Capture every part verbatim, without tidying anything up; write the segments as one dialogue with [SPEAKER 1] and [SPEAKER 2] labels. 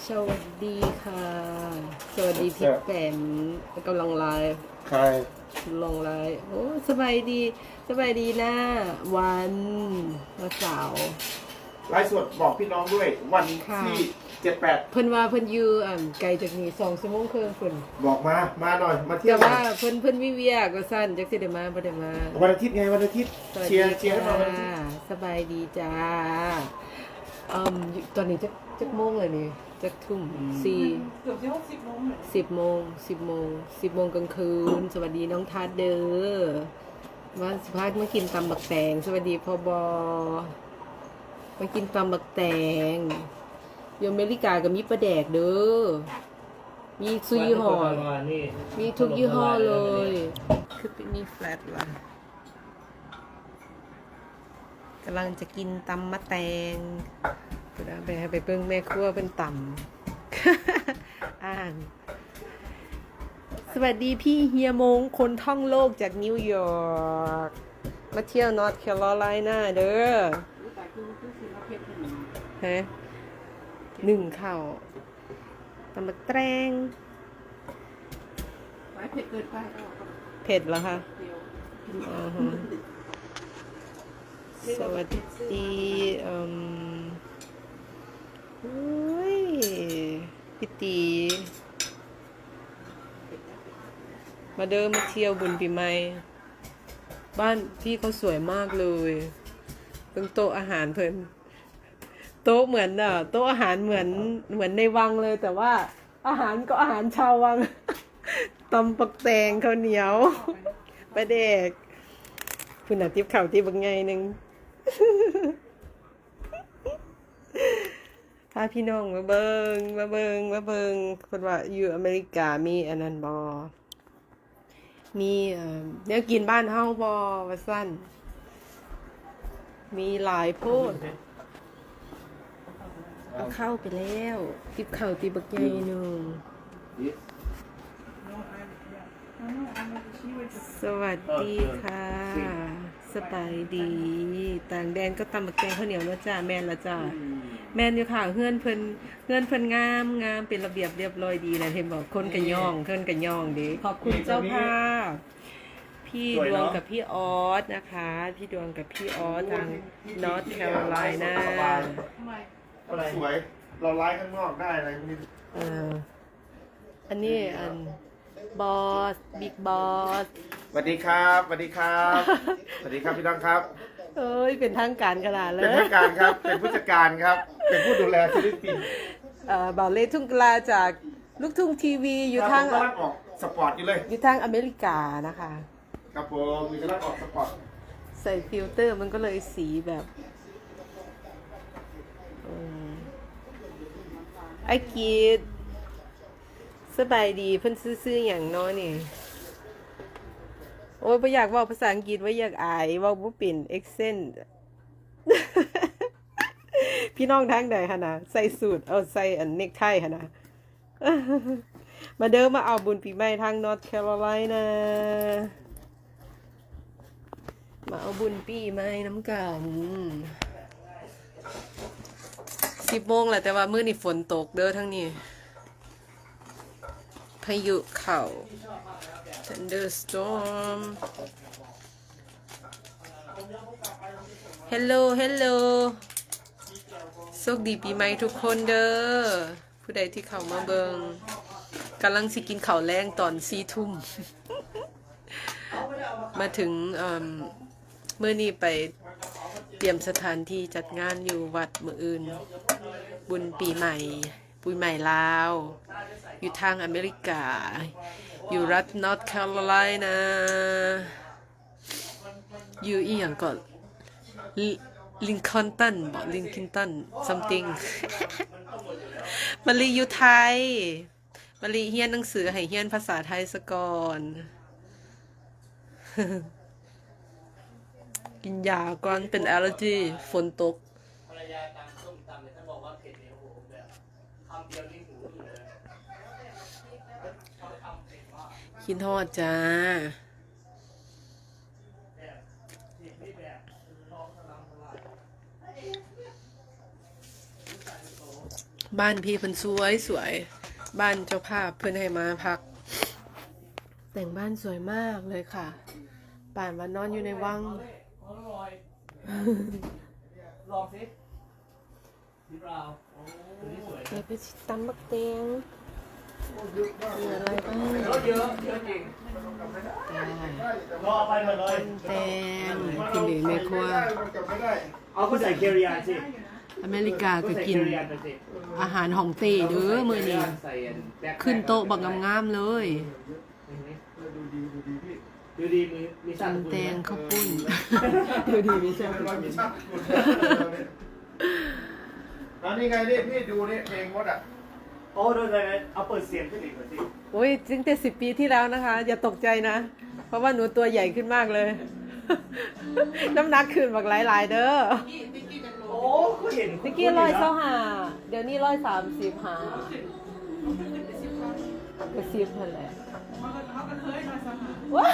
[SPEAKER 1] สวัสดีค่ะ สวัสดีพี่แปมกำลังไลฟ์
[SPEAKER 2] ใคร
[SPEAKER 1] ลงไลฟ์โอ้สบายดีสบายดีนะวันวันเสาร์
[SPEAKER 2] ไลฟ์สดบอกพี่น้องด้วยวันที่เจ็ดแปด
[SPEAKER 1] เพิ่นว่าเพิ่นอยู่อ่าไกลจากนี้สองชั่วโมงครึ่งเพิ่น
[SPEAKER 2] บอกมามาหน่อยมาเที่ย
[SPEAKER 1] แต่
[SPEAKER 2] ว
[SPEAKER 1] ว่าเพิ่นเพิ่นวิเวียก็สั้นจักสิได้มาบ่ได้มา
[SPEAKER 2] วันอาทิตย์ไงวันอาทิตย์เชียร์เชียร์ให้เราวันอาทิตย์
[SPEAKER 1] สบายดีจ้าอืมตอนนี้จักจักโมงเลยนี่จักทุ่มสี่
[SPEAKER 3] เกือบจะหกสิบโมงเลย
[SPEAKER 1] สิบโมงสิบโมงสิบโมงกลางคืนสวัสดีน้องทัดเด้อว่าสภาพมากินตำบักแตงสวัสดีพ่อบอมากินตำบักแตงอยู่อเมริกากับมีปลาแดกเด้อมีซุยยี่ห้อมีทุกยี่ห้อเลยคือเป็นมีแฟลตล่ะกำลังจะกินตำมะแตงไปไปเบิ่งแม่ครัวเป็นตำ อ่านสวัสดีพี่เฮียมงคนท่องโลกจากนิวยอร์กมาเที่ยวนอร์ทแคโรไลนาเด้อฮะหนึ่งเข่าตำบักแตง
[SPEAKER 3] เผ็ดเกินไป
[SPEAKER 1] เผ็ดเหรอคะอ๋อฮะสวัสดีอืมโอ้ยพี่ตีมาเดินมาเที่ยวบุญปีใหม่บ้านพี่เขาสวยมากเลยตรงโต๊ะอาหารเพิ่นโต๊ะเหมือนอ่ะโต๊ะอาหารเหมือนเหมือนในวังเลยแต่ว่าอาหารก็อาหารชาววัง ตำปักแตงข้าวเหนียวปลาแดกคุณน่ะติ๊บข่าวติ๊บบักไงนึง พาพี่น้องมาเบิงมาเบิงมาเบิงคนว่าอยู่อเมริกามีอันนั้นบอมีเอ่อเนื้อกินบ้านเฮาบอว่าสั้นมีหลายโพดเอาเข้าไปแล้วติบเข่าติบบักใหญ่หนึ่งสวัสดีค่ะสบายดีต่างแดนก็ตำบักแกงข้าวเหนียวแล้วจ้าแม่นละจ้าแม่นอยู่ค่ะเฮือนเพิ่นเฮือนเพิ่นงามงามเป็นระเบียบเรียบร้อยดีนะเห็นบอกคนกันย่องคนกันย่องดีขอบคุณเจ้าภาพพี่ดวงกับพี่ออสนะคะพี่ดวงกับพี่ออสทางนอร์ทแคโรไลนา
[SPEAKER 2] สวยเราไลฟ์ข้างนอกได้อะไรนี่
[SPEAKER 1] เอออันนี้อันบอสบิ๊กบอส
[SPEAKER 2] สวัสดีครับสวัสดีครับสวัสดีครับพี่น้องครับ
[SPEAKER 1] เอ้ยเป็นทางการขนาดเลย
[SPEAKER 2] เป็นทางการครับเป็นผู้จัดการครับเป็นผู้ดูแลศิลปิน
[SPEAKER 1] เอ่อบ่าวเล่ทุ่งกลาจากลูกทุ่งทีวีอยู่ทาง
[SPEAKER 2] กำลังออกสปอร์ตอยู่เลย
[SPEAKER 1] อยู่ทางอเมริกานะคะ
[SPEAKER 2] ครับผมมีกำลังออกสปอร์ต
[SPEAKER 1] ใส่ฟิลเตอร์มันก็เลยสีแบบไอ้กีดสบายดีเพิ่นซื้อๆอย่างน้อยนี่โอ้ยบ่อยากเว้าภาษาอังกฤษว่าอยากอายเว้าบ่เป็นเอ็กเซนต์ พี่น้องทางใดหั่นน่ะใส่สูทเอาใส่อันเนคไทหั่นน่ะ มาเด้อมาเอาบุญปีใหม่ทางนอร์ทแคโรไลนามาเอาบุญปีใหม่น้ำกันสิบโมงแหละแต่ว่ามื้อนี้ฝนตกเด้อทั้งนี้พายุเข้า thunderstorm hello hello โชคดีปีใหม่ทุกคนเด้อผู้ใดที่เข้ามาเบิงกำลังสิกินข้าวแรงตอนสี่ทุ่ม มาถึงเมื่อนี้ไปเตรียมสถานที่จัดงานอยู่วัดมื้ออื่นบุญปีใหม่ปีใหม่ลาวอยู่ทางอเมริกาอยู่รัฐนอร์ทแคโรไลนาอยู่อีหยังก่อนลิงคอล์นตันบอกลิงคินตัน something มาลีอยู่ไทยมาลีเฮียนหนังสือให้เฮียนภาษาไทยซะก่อน กินยาก่อนเป็นแอลเลอร์จีฝนตกคิดทอดจ้าบ้านพี่เพิ่นสวยสวยบ้านเจ้าภาพเพิ่นให้มาพัก แต่งบ้านสวยมากเลยค่ะ ป่านวันนอนอยู่ในวัง
[SPEAKER 4] ลองสินี่เปล่าตัวนี้สวย
[SPEAKER 1] เดี๋ยวไปตำบักเตียงมีอะไรบ้าง
[SPEAKER 4] รถเยอะเยอะจริงรอไปหมดเลย
[SPEAKER 1] แตงกินหรือแม่ครัว
[SPEAKER 4] เอาก็ใส่เคียวริยานสิ
[SPEAKER 1] อเมริกาก็
[SPEAKER 4] ใส่
[SPEAKER 1] กิ
[SPEAKER 4] เคี
[SPEAKER 1] น
[SPEAKER 4] ยวริยานไปสิ
[SPEAKER 1] อาหารของเต้เด้อมื้อนี้
[SPEAKER 4] ใส่แบ็ค
[SPEAKER 1] ขึ้นโต๊ะบักงามๆเลย
[SPEAKER 4] ดูดีมีมีสั่น
[SPEAKER 1] ตำแตงข้าวปุ้น ดูดีไม่ใช่
[SPEAKER 2] อันนี้ไงนี่พี่ดูนี่เพลงมดอ่ะ
[SPEAKER 4] โอ้ดูเลยเอาเปิดเสียงขึ้นอีกหน่อยสิ
[SPEAKER 1] โอ้ยตั้งแต่สิบปีที่แล้วนะคะ อย่าตกใจนะ เพราะว่าหนูตัวใหญ่ขึ้นมากเลย น้ำหนักขึ้นบักหลายๆเด้อ
[SPEAKER 3] พี่ติ๊กกี้กันโล
[SPEAKER 4] โอ้ก็เห็น
[SPEAKER 1] เมื่อกี้ร้อยเท่าหาเดี๋ยวนี้ร้อยสามสิบหา
[SPEAKER 3] ขึ้นไปสิบครั้ง
[SPEAKER 1] ก็สิบนั่นแหละ
[SPEAKER 3] เขาก็เขาก็เคยมาสมัคร
[SPEAKER 1] ว้า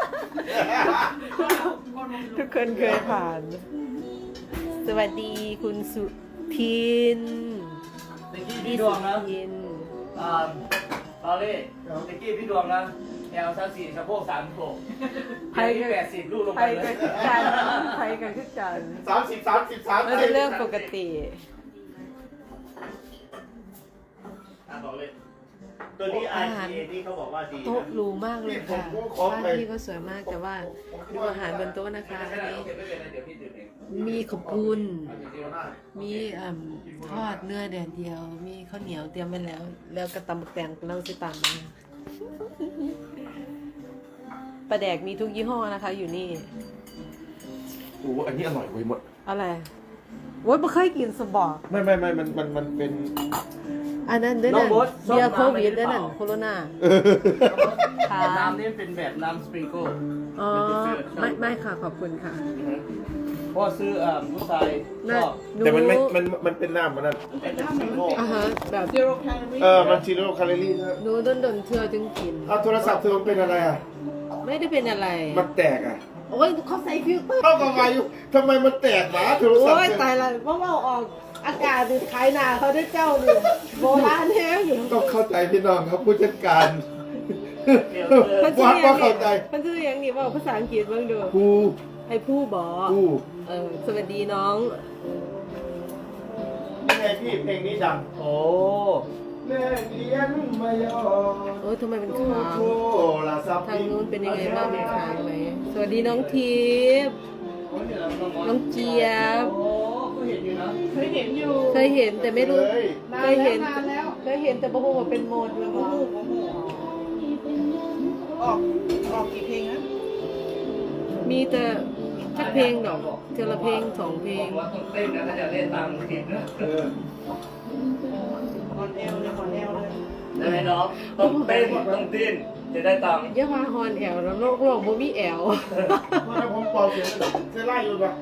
[SPEAKER 3] ก่อนมา
[SPEAKER 1] ทุกคนเคยผ่าน สวัสดีคุณสุทิน
[SPEAKER 4] ตะกี้พี่ดวงนะ
[SPEAKER 1] ทิน
[SPEAKER 4] อ่าตอเล่ตะกี้พี่ดวงนะแอลสามสี่สะโพกสามโขกไทยแปดสิบลูกลง
[SPEAKER 1] ไท
[SPEAKER 4] ไป
[SPEAKER 1] ย
[SPEAKER 4] เล
[SPEAKER 1] กัน
[SPEAKER 4] ย
[SPEAKER 1] คือกันไทยกันคือกัน
[SPEAKER 2] สามสิบสามสิบสาม
[SPEAKER 1] มันเป็นเรื่องปกติ
[SPEAKER 4] อ่ะบอกเลย ตัวนี้ ไอ ที เอ ที่เขาบอกว่าดี
[SPEAKER 1] โต๊ะ
[SPEAKER 4] นะ
[SPEAKER 1] หรูมากเลยค่ะบ้านพี่ก็สวยมากแต่ว่าดูอาหารบนโต๊ะนะคะอันนี้
[SPEAKER 4] เก็บไม่เป็นไรเดี๋ยวพี่ดื่มเอง
[SPEAKER 1] มีขอบปุ้น
[SPEAKER 4] เอาจริงๆว่า
[SPEAKER 1] มีอ่ำทอดเนื้อแดดเดียว มีข้าวเหนียวเตรียมไว้แล้ว แล้วก็ตำบักแตงเราสิตามมาปลาแดกมีทุกยี่ห้อนะคะ อยู่นี่
[SPEAKER 2] โอ้อันนี้อร่อยเว้ยหมด
[SPEAKER 1] อะไรโว้ยไม่เคยกินสบอก
[SPEAKER 2] ไม่ไม่ไม่มันมันมันเป็น
[SPEAKER 1] อันนั้นด้วยนั่นเบียร์โควิดด้วยนั่นโคโรนาค่ะ
[SPEAKER 4] น้ำนี่เป็นแบบน้ำสปริงเกิล
[SPEAKER 1] อ๋อไม่ไม่ค่ะขอบคุณค่ะ
[SPEAKER 4] เพราะซื้ออ่าผู้ชายช
[SPEAKER 1] น่า
[SPEAKER 4] อบ
[SPEAKER 1] หนู
[SPEAKER 2] แต่มันไม่มันมันเป็นน้ำมันนั่น
[SPEAKER 4] เป็นสปริงเกิล
[SPEAKER 1] อ่าฮะแบบ
[SPEAKER 3] ซีโร่แคลอรี่
[SPEAKER 2] เออมันซีโร่แคลอรี่นะ
[SPEAKER 1] หนูโดนโดนเธอจึงกิน
[SPEAKER 2] เอาโทรศัพท์เธอมันเป็นอะไรอ่ะ
[SPEAKER 1] ไม่ได้เป็นอะไร
[SPEAKER 2] มันแตกอ่ะ
[SPEAKER 1] โอ้ยเขาใส่ฟิลเตอร์
[SPEAKER 2] เข้ากับมาอยู่ทำไมมันแตกหมาโทรศัพท์
[SPEAKER 1] โอ้ย
[SPEAKER 2] เธอ
[SPEAKER 1] ตายละว่าว่าออกอากาศดิขายหนาเขาได้เจ้าดิโบราณแท้อยู่
[SPEAKER 2] ต้องเข้าใจพี่น้องครับผู้จัดการ
[SPEAKER 1] มันชื่
[SPEAKER 2] วั
[SPEAKER 1] อ
[SPEAKER 2] ด
[SPEAKER 1] ยั
[SPEAKER 2] ว่าง เข้าใจ
[SPEAKER 1] มันชื่อยังนี่ว่าภาษาอังกฤษบ้างดู
[SPEAKER 2] ครู
[SPEAKER 1] ไอ้ผู้บอ
[SPEAKER 2] ครู
[SPEAKER 1] เออสวัสดีน้อง
[SPEAKER 2] นี่ไงพี่เพลงนี้ดัง
[SPEAKER 4] โอ้
[SPEAKER 2] แม่เลี้ยงมายอ
[SPEAKER 1] โอ้ยทำไมเป็นค้าง
[SPEAKER 2] โทรศัพท์
[SPEAKER 1] ทางนู้นเป็นยังไงบ้างเป็นค้างไหมสวัสดีน้องทิพย์น้องเจี๊ยบ
[SPEAKER 4] โอ้ก็เห็นอยู่นะ
[SPEAKER 3] เคยเห็นอยู่
[SPEAKER 1] เคยเห็นแต่ไม่รู้
[SPEAKER 2] เลย
[SPEAKER 3] นา
[SPEAKER 1] เคน ย
[SPEAKER 3] แล้
[SPEAKER 1] เห็
[SPEAKER 3] วน นานแล้ว
[SPEAKER 1] เคยเห็นแต่บ่ฮู้ว่าเป็นโหมดเลย
[SPEAKER 3] โอ้
[SPEAKER 1] บ่
[SPEAKER 3] โหโอ้โหออกออกกี่เพลงนะ
[SPEAKER 1] มีแต่จักเพลงดอกเทอละเพลงสองเพลง
[SPEAKER 4] บอกว่าต้องเต้นนะถ้าจะเล่นตามคลิปนะ
[SPEAKER 2] เออ
[SPEAKER 3] คอนแอลเลยคอนแอลเลย
[SPEAKER 4] ได้ไหมน้องต้องเต้นต้องดิ้นจะได้ตังค์
[SPEAKER 1] อย่าว่าฮอนแอวแล้วโลกโลกบ่มีแอว
[SPEAKER 2] ว่าถ้าผมเป่าเสียงจะไล่อยู่ปะ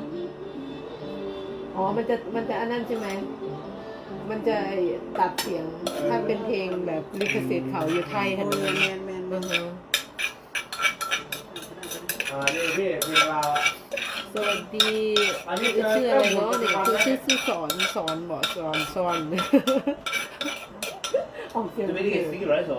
[SPEAKER 1] อ๋อ มันจะ มันจะอันนั้นใช่ไหม มันจะตัดเสียง ถ้าเป็นเพลงแบบลิขสิทธิ์เขาอยู่ไทยฮัน
[SPEAKER 3] แม
[SPEAKER 1] นี่
[SPEAKER 3] นแมนแมน
[SPEAKER 1] อือฮะ
[SPEAKER 2] อ่านี่พี่เพลงเราอ่ะ
[SPEAKER 1] สวัสดี
[SPEAKER 2] อันนี้
[SPEAKER 1] ชื่ออะไรเนาะเนี่ยคือชื่อชื่อสอนสอนบอกสอนสอนออกเสียง
[SPEAKER 4] จะไม่ได้
[SPEAKER 1] เก่ง
[SPEAKER 4] สิ่งที่เราได้สอน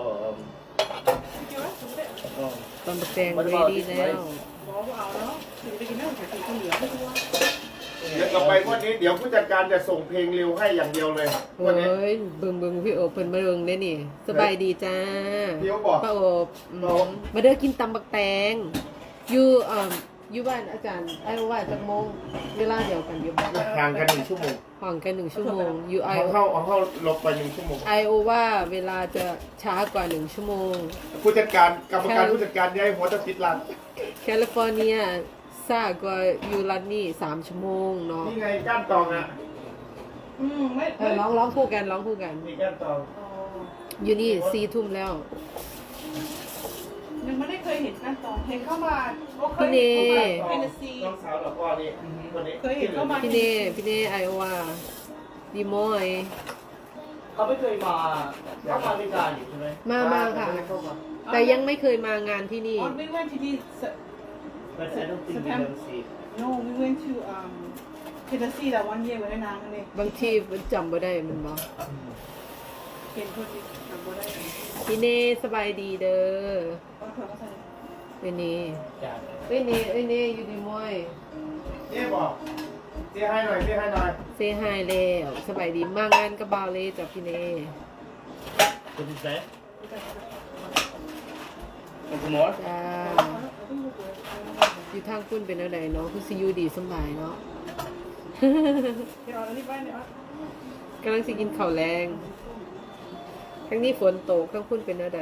[SPEAKER 1] ตอนแปลงเรดี้แล้ว
[SPEAKER 3] บอกว่าเอาแล้วถึงไปกินเนื้อไก่ตุ๋นข้าวเหนียวไม่รู้ว่า
[SPEAKER 2] เดี๋ยวต่อไปวันนี้เดี๋ยวผู้จัดการจะส่งเพลงเร็วให้อย่างเดียวเลยวันนี้
[SPEAKER 1] เฮ้ยเบิ่งเบิ่งพี่โอบเพิ่นมาเบิ่งได้นี่ สบายดีจ้า
[SPEAKER 2] พี่โอบบอก
[SPEAKER 1] ป้าโอบอืมมาเด้อกินตำบักแตงอยู่เอ่ออยู่บ้านอาจารย์ไอ้ว่าจักโมงเวลาเดียวกันอยู่บ้าน
[SPEAKER 2] ห่างกันหนึ่งชั่วโมง
[SPEAKER 1] ห่างกันหนึ่งชั่วโมงอยู่ไอ
[SPEAKER 2] เอาเข้าเอาเข้าลบไปหนึ่งชั่วโมง
[SPEAKER 1] ไอโอว่าเวลาจะช้ากว่าหนึ่งชั่วโมง
[SPEAKER 2] ผู้จัดการกรรมการผู้จัดการย้ายหัวตะปิดร้าน
[SPEAKER 1] แคลิฟอร์เนียซ่ากว่าอยู่รัฐนี่สามชั่วโมงเนาะ
[SPEAKER 2] นี่ไงก้านตองอ่ะ
[SPEAKER 3] อืมไม่
[SPEAKER 1] เออร้องร้องคู่กันร้องคู่กัน
[SPEAKER 2] มีก้านตอง
[SPEAKER 1] อยู่นี่สี่ทุ่มแล้ว
[SPEAKER 3] ยังไม่ได้เคยเห็นการตองเห็นเข้ามาก็เคย
[SPEAKER 1] พี่เน
[SPEAKER 3] เห็นซี
[SPEAKER 2] น้องสาวหลอกพ่อนี่คนนี้
[SPEAKER 3] เคยเห็นเข้ามา
[SPEAKER 1] พี่เน่พี่เน่ไอโอว่าดีมอย
[SPEAKER 4] เขาไม่เคยมาเขามาอเมริกาอยู่ใช่ไหม
[SPEAKER 1] มามาค่ะ แต่ยังไม่เคยมางานที่นี่
[SPEAKER 3] อ๋อ we went to this
[SPEAKER 4] But I don't think we will see
[SPEAKER 3] no we went to um เห็นซี่แต่วันเยี่ยมไว้ให้นางกันเลย
[SPEAKER 1] บางทีมันจำบ่ได้มันบ่
[SPEAKER 3] เห็นคนทำบ่ได้
[SPEAKER 1] พี่เน่สบายดีเด้อ
[SPEAKER 3] ก็เผื่อมาใส่
[SPEAKER 1] เอ้ยเน่
[SPEAKER 4] จ้า
[SPEAKER 1] เอ้ยเน่เอ้ยเน่อยู่ดีมวย
[SPEAKER 2] เจ๊บอกเจ๊ให้หน่อยเจ๊ให้หน่อย
[SPEAKER 1] เซฮายแล้วสบายดีมากงานกับบาวเลยจ้ะพี่เน่
[SPEAKER 4] คุณแซ่คุณหมอ
[SPEAKER 1] จ้าอยู่ทางคุณเป็นอะไรเนาะคือสิอยู่ดีสำบายเนาะ
[SPEAKER 3] เดี๋ยวเอาอันนี้ไปเนี่ย
[SPEAKER 1] กำลังสิกินข้าวแรงทั้งนี้ฝนตกทั้งคุณเป็นอะไร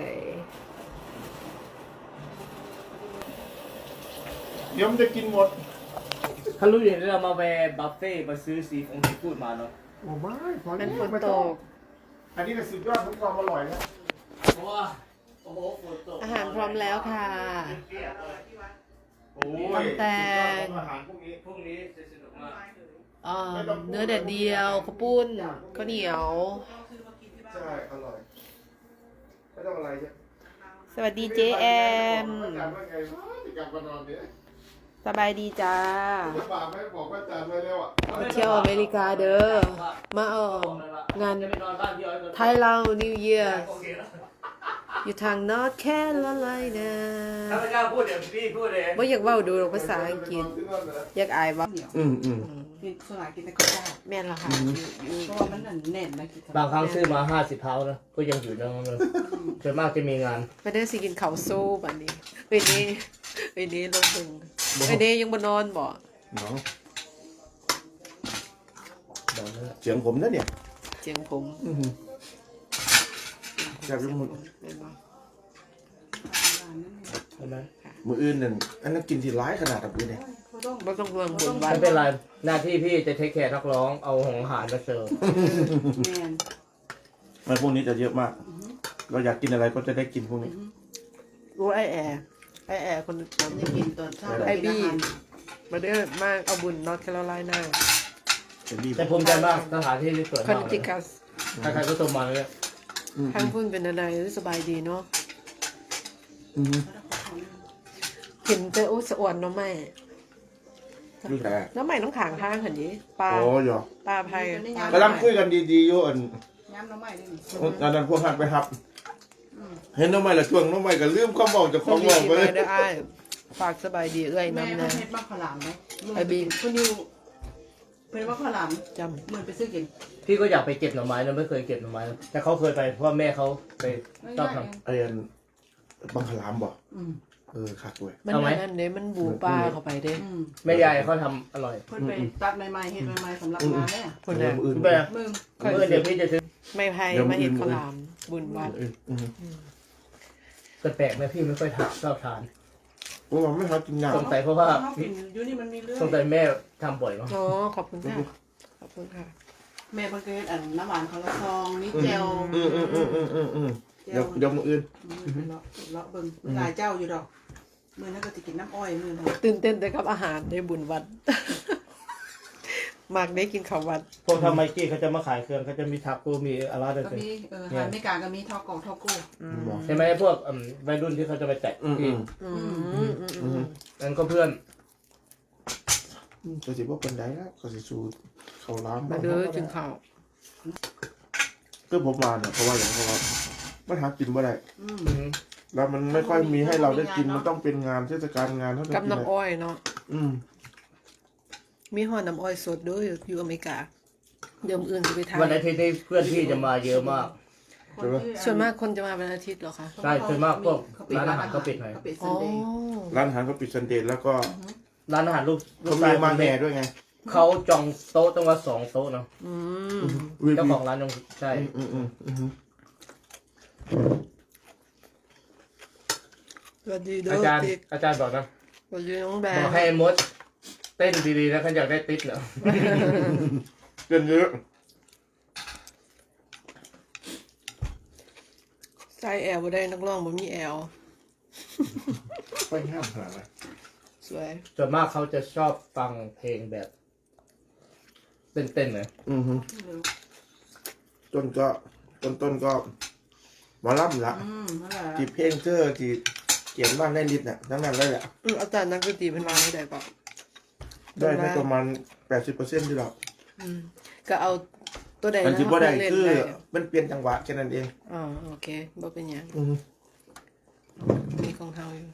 [SPEAKER 2] เดี๋ยวมันจะกินหมด
[SPEAKER 4] ถ้ารู้อย่างนี้เรามาแวร์บัฟเฟ่มาซื้อซีฟองซีฟู้ดมาเนาะ
[SPEAKER 2] โอ้ไม่พอ
[SPEAKER 1] มันฝน
[SPEAKER 2] ไม่
[SPEAKER 1] ต
[SPEAKER 2] อง
[SPEAKER 1] ก
[SPEAKER 2] อันนี้ก็สุดยอดของความอร่อยนะ
[SPEAKER 4] เพราะว่าโอ้โหฝนตก
[SPEAKER 1] อาหารพร้อมแล้วค่ะ
[SPEAKER 2] โอ้ย
[SPEAKER 1] แต่
[SPEAKER 2] สุดยอดของอาหารพวกนี้
[SPEAKER 4] พรุ่งนี้จะสนุกมาก
[SPEAKER 1] เอ่อเนื้อแดดเดียวข้าวปุ้นข้าวเหนียว
[SPEAKER 2] ใช่อร่อยไม่ต้องอะไรใช่
[SPEAKER 1] สวัสดีเจแอม
[SPEAKER 2] อาจารย์ว่าไงวะจะกลับมานอนเนี่ย
[SPEAKER 1] สบายดีจ้า
[SPEAKER 2] จะบาปไหมบอกว่าอาจารย์ไว้แล้วอ่ะ
[SPEAKER 1] มาเที่ยวอเมริกาเด้อ มาเอองาน
[SPEAKER 4] จะไปนอนบ้านพี่อ้อยก่อน
[SPEAKER 1] ไทยเรานิวเยียร์
[SPEAKER 4] โอเคแล้ว
[SPEAKER 1] อยู่ทางนอร์ทแคโรไลนา
[SPEAKER 4] ถ้าไม่กล้าพูดเดี๋ยวพี่พูดเอง
[SPEAKER 1] ว่าอยากเว่าดูภาษาอังกฤษ อยากอายว่า
[SPEAKER 2] อืมอืม
[SPEAKER 3] กินสลายกินแต่ข้าวเจ้า
[SPEAKER 1] แม่นละค่ะอยู่
[SPEAKER 3] เพราะว่ามันแน่นนะกิน
[SPEAKER 4] บางครั้งซื้อมาห้าสิบเท้านะก็ยังอยู่นั่นเลยส่วนมากจะมีงาน
[SPEAKER 1] มาเด้อสิกินข้าวสู้บัดนี้เอ้ยนี่เอ้ยนี่ลงถึงเอ้ยนี่ยังบ่นอนบ่
[SPEAKER 2] เนาะ
[SPEAKER 4] บอกนั่นแหละ
[SPEAKER 2] เสียงผมนะเนี่ย
[SPEAKER 1] เจียงผม
[SPEAKER 2] อือหือจับยังหมด
[SPEAKER 1] แม่นบ่
[SPEAKER 4] ใช่ไหม
[SPEAKER 2] มืออื่นนั่นอันนั้นกินที่ร้ายขนาดแบบนี้เนี่ย
[SPEAKER 3] เขาต้อง
[SPEAKER 1] บ่ต้องห่วงบุญวั
[SPEAKER 4] ไม่
[SPEAKER 1] น
[SPEAKER 4] เป็นไรหน้าที่พี่จะเทคแคร์นักร้องเอาของอาหารมาเสิร์ฟ
[SPEAKER 3] แมน
[SPEAKER 2] มันพวกนี้จะเยอะมาก เราอยากกินอะไรก็จะได้กินพวกนี้
[SPEAKER 1] รู้ไอแอร์ไอแอร์คนนั้น
[SPEAKER 3] จะกินตอนเช้า
[SPEAKER 1] ไอบี้มาเด้อมาเอาบุญนอร์ทแคโรไลนา
[SPEAKER 2] เป็นดี
[SPEAKER 4] แต่ภูมิใจมากสถานที่ที่สวย
[SPEAKER 1] คอน
[SPEAKER 4] มากเล
[SPEAKER 1] ติ
[SPEAKER 4] ย
[SPEAKER 1] คัส
[SPEAKER 4] ใครๆก็ชมมาเลย
[SPEAKER 2] อืม
[SPEAKER 1] ทางพุ่นเป็นอะไรสบายดีเนาะ
[SPEAKER 2] อืม
[SPEAKER 1] เห็นแต่โอ้สะอวนเนาะแม่
[SPEAKER 2] ดูแต่
[SPEAKER 1] น้ำใหม่น้ำขางทางหันนี้ปลา
[SPEAKER 2] โอ้ยอ
[SPEAKER 1] ปลาไผ่
[SPEAKER 2] กำลังคุยกันดีๆอยู่อัน
[SPEAKER 3] ย้ำน้ำใหม่ได้นี่
[SPEAKER 2] อันนั้นพวกหักไปครับ เห็นน้องใหม่ละช่วงน้องใหม่ก็ลืมความบอกจากข
[SPEAKER 1] ต้
[SPEAKER 2] อ
[SPEAKER 1] อง ง
[SPEAKER 2] บอก
[SPEAKER 1] ดี
[SPEAKER 2] ไป
[SPEAKER 1] มา
[SPEAKER 2] เลย
[SPEAKER 1] เด้ออ้ายฝากสบายดีเอ้ย
[SPEAKER 3] แม่
[SPEAKER 1] น้ำ
[SPEAKER 3] เพิ่
[SPEAKER 1] นะ
[SPEAKER 3] นเฮ็ดมากขลามไหม
[SPEAKER 1] ไอ้บีม
[SPEAKER 3] เพิ่นอยู่เพิ่นว่าขลาม
[SPEAKER 1] จ
[SPEAKER 3] เหมือนไปซื้อกิน
[SPEAKER 4] พี่ก็อยากไปเก็บหน่อไม้นะไม่เคยเก็บหน่อไม้นะแต่เขาเคยไปเพราะว่าแม่เขาไปชอบทำ
[SPEAKER 2] ไอ้อันบังคลามบอก
[SPEAKER 3] อืม
[SPEAKER 2] เออคักเว้ย
[SPEAKER 1] ำมัน
[SPEAKER 4] เอาไหม
[SPEAKER 1] นั่นเด้มันบูปลาเข้าไปเด้
[SPEAKER 3] อืม
[SPEAKER 4] แม่ยายเขาทำอร่อย
[SPEAKER 3] เพิ่นไปตัดใหม่ๆเฮ็ดใหม่ๆสำหรับงานเนี่ย
[SPEAKER 1] คน
[SPEAKER 2] เอ
[SPEAKER 1] น่ะ
[SPEAKER 2] อมืออื่น
[SPEAKER 4] แม่
[SPEAKER 3] มึง
[SPEAKER 4] เมื่อเดี๋ยวพี่จะซื้อ
[SPEAKER 1] ไม่ไผ่
[SPEAKER 2] เดี๋ยว
[SPEAKER 1] มาเห็น
[SPEAKER 2] มื้ออื่น
[SPEAKER 1] ข้าวหลามบุญวัด
[SPEAKER 2] เอออืม
[SPEAKER 4] แปลกๆไหมพี่ไม่ค่อยทานชอบทาน
[SPEAKER 2] โอ้ไม่เขากินยา
[SPEAKER 4] สงสัยเพราะว่า
[SPEAKER 3] กินอยู่นี่มันมีเรื่อง
[SPEAKER 4] สงสัยแม่ทำบ่อยมั้ง
[SPEAKER 1] อ๋อขอบคุณค่ะขอบคุณค่ะ
[SPEAKER 3] แม่เพิ่นเคยเฮ็ดอันน้ำหวานของละซองนี่แจว
[SPEAKER 2] อืมอืมอืมอืมอืมอืม
[SPEAKER 3] แจ
[SPEAKER 2] เดี๋ยว
[SPEAKER 3] ว
[SPEAKER 2] เดี๋ยวมืออื่น
[SPEAKER 3] เลาะเลาะเบิ่งหลายเจ้าอยู่ดอกมื้อนั้นก็สิกินน้ำอ้อยมื้อนั้น
[SPEAKER 1] ตื่นเต้นแต่กับอาหารในบุญวัด มากได้กินข้าววัด
[SPEAKER 4] พวกทำไมกี้เขาจะมาขายเครื่องเขาจะมีทักกูมีอะไรด้วย
[SPEAKER 3] ก็
[SPEAKER 4] กัน
[SPEAKER 3] มีเออหาไม่กาก็มีทอกล่องทอกกู้
[SPEAKER 2] บอก
[SPEAKER 4] ใช่ไหมพวกอืมวัยรุ่นที่เขาจะไปแตะ
[SPEAKER 2] อืมอื
[SPEAKER 4] ที่
[SPEAKER 2] ม
[SPEAKER 1] อืมอืมอืม
[SPEAKER 2] อื
[SPEAKER 1] อื
[SPEAKER 2] ม
[SPEAKER 1] ม
[SPEAKER 4] นั่นก็เพื่อน
[SPEAKER 2] อืมก็สิว่าเป็นไดนะก็สิสูเขาล้าม
[SPEAKER 1] มาเด้อจึงข้าว
[SPEAKER 2] คือผมมาเนี่ยเพราะว่าอย่างเพราะว่ามันหากินไม่ได้
[SPEAKER 3] อืม
[SPEAKER 4] อืม
[SPEAKER 2] แล้วมันไม่ค่อยมีให้เราได้กินมันต้องเป็นงานเทศกาลงานเท่านั้น
[SPEAKER 1] กับ
[SPEAKER 2] กิน
[SPEAKER 1] น้ำ
[SPEAKER 2] ได้
[SPEAKER 1] อ้อยเนาะ
[SPEAKER 2] อืม
[SPEAKER 1] มีห่อน้ำอ้อยสดด้วยอยู่อเมริกา เดี๋ยวมื้ออื่นจะไปทาน
[SPEAKER 4] วันอาทิตย์ที่เพื่อนพี่จะมาเยอะมาก
[SPEAKER 3] คนที่
[SPEAKER 1] ส่วนมากคนจะมาเป็นอาทิตย์เหรอคะ
[SPEAKER 4] ใช่ส่วนมากพวกร้านอาหารเขาปิดหน่อย
[SPEAKER 3] เขาปิด
[SPEAKER 1] อ๋
[SPEAKER 3] ซั
[SPEAKER 1] อน
[SPEAKER 3] เดย์
[SPEAKER 2] ร้านอาหารก็ปิดซันเดย์แล้วก็
[SPEAKER 4] ร้านอาหารลูกลู
[SPEAKER 2] เขา
[SPEAKER 4] ก
[SPEAKER 2] มี
[SPEAKER 4] ชาย
[SPEAKER 2] มาแห่ด้วยไง
[SPEAKER 4] เขาจองโต๊ะต้องว่าสองโต๊ะเนาะ
[SPEAKER 1] อืม
[SPEAKER 2] วี
[SPEAKER 4] เจ้าของร้านยังใช่
[SPEAKER 2] อืมอืมอืมอืม
[SPEAKER 1] สวัสดีเด้
[SPEAKER 4] อา
[SPEAKER 1] อ
[SPEAKER 4] จารย์
[SPEAKER 1] ติ๊ก
[SPEAKER 4] อาจารย์บอกนะ
[SPEAKER 1] สวัสดีน้องแบ
[SPEAKER 4] บอก
[SPEAKER 1] ง
[SPEAKER 4] ให้มดเต้นดีๆนะเขาอยากได้ติ๊กเนาะ
[SPEAKER 2] เกินเยอะ
[SPEAKER 1] ใส่แอลบ่ได้นักร้องบ่มีแอล
[SPEAKER 2] ไม่ห้ามหาอะไร
[SPEAKER 1] สวย
[SPEAKER 4] ส่วนมากเขาจะชอบฟังเพลงแบบเต้นๆเลย
[SPEAKER 2] อือฮึต้นก็ต้นต้นก็หมาล่ำละ
[SPEAKER 3] อืมนั่นแหละ
[SPEAKER 2] จีเพลงเจอจีเขียนบ้านได้นิดน่ะทั้งนั้นเลยแหละ
[SPEAKER 1] อืมอาจารย์นักดนตรีเพิ่นวางไม่ได้ป่ะ
[SPEAKER 2] ได้ไม่ประมาณแปปดสิบเปอร์เซ็นต์ที่เรา
[SPEAKER 1] อืมก็เอาตัวใด
[SPEAKER 2] มัน
[SPEAKER 1] นะ
[SPEAKER 2] ที่บ่ได้
[SPEAKER 1] เล่น
[SPEAKER 2] คือ
[SPEAKER 1] ได้
[SPEAKER 2] มันเปลี่ยนจังหวะแค่นั้นเอง
[SPEAKER 1] อ๋อโอเคบ่เป็นหยัง
[SPEAKER 2] อืม
[SPEAKER 1] มีของเฮาอยู่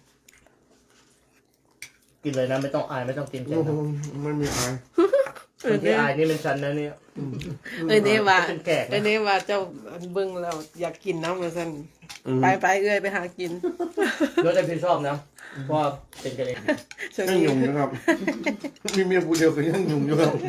[SPEAKER 4] กินเลยนะไม่ต้องอายไม่ต้องเกรงใจนะ
[SPEAKER 2] ไม่มีอาย
[SPEAKER 4] คนที่อายนี่เป็นฉันนะเนี่ย
[SPEAKER 1] เอ้ยเด้ว่า
[SPEAKER 4] เป็นแขกนะ
[SPEAKER 1] เอ้ยเด้ว่าเจ้าเบิ่งแล้วอยากกินน้ำว่าซั่น
[SPEAKER 2] อืม
[SPEAKER 1] ไปไปเอ้ยไปหากิน
[SPEAKER 4] รสได้พี่ชอบนะเพราะว่าเป็นกันเอง
[SPEAKER 1] ช่วง
[SPEAKER 2] ยัง
[SPEAKER 1] นี้
[SPEAKER 2] ยุ่งอยู่ครับ มีเมียผู้เดียวก็ยังยุ่งอยู่ครับ